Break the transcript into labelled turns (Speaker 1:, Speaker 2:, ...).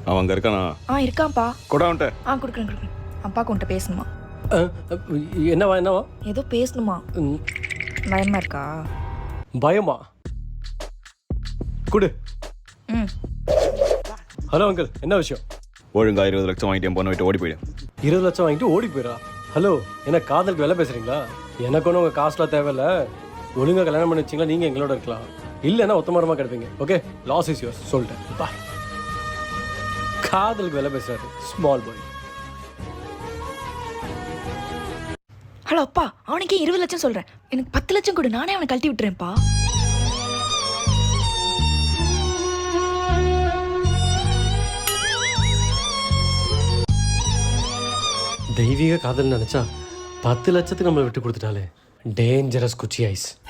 Speaker 1: அவன் அங்கே இருக்கானா?
Speaker 2: இருக்கான்ப்பா.
Speaker 1: கூட வந்துட்ட.
Speaker 2: கொடுக்குறேன். அப்பாக்கு உன்கிட்ட பேசணுமா?
Speaker 3: என்னவா?
Speaker 2: ஏதோ பேசணுமா? பயமா இருக்கா?
Speaker 3: பயமா? குடு. ஹலோ அங்கிள், என்ன விஷயம்?
Speaker 1: ஒழுங்கா 20 லட்சம் வாங்கிட்டு என் பொண்ணை விட்டு ஓடி போயிடு.
Speaker 3: 20 லட்சம் வாங்கிட்டு ஓடி போயிடா? ஹலோ, என்ன காதலுக்கு வேலை பேசுறீங்களா? எனக்கு ஒன்றும் உங்கள் காசுலாம் தேவையில்ல. ஒழுங்காக கல்யாணம் பண்ணி வச்சிங்களா நீங்கள் எங்களோட இருக்கலாம், இல்லைன்னா ஒத்தமரமாக கிடைப்பீங்க. Okay, loss is yours. சொல்லிட்டேன். பாய். காதலுக்கு வேலை பேசுறாரு ஸ்மால் பாய்.
Speaker 2: ஹலோ அப்பா, அவனுக்கே 20 லட்சம் சொல்கிறேன். எனக்கு 10 லட்சம் கொடு, நானே அவனை கழட்டி விட்டுறேன்ப்பா.
Speaker 3: தெய்வீக காதல் நினச்சா 10 லட்சத்துக்கு நம்மளை விட்டு கொடுத்துட்டாலே. டேஞ்சரஸ் குச்சி ஐஸ்.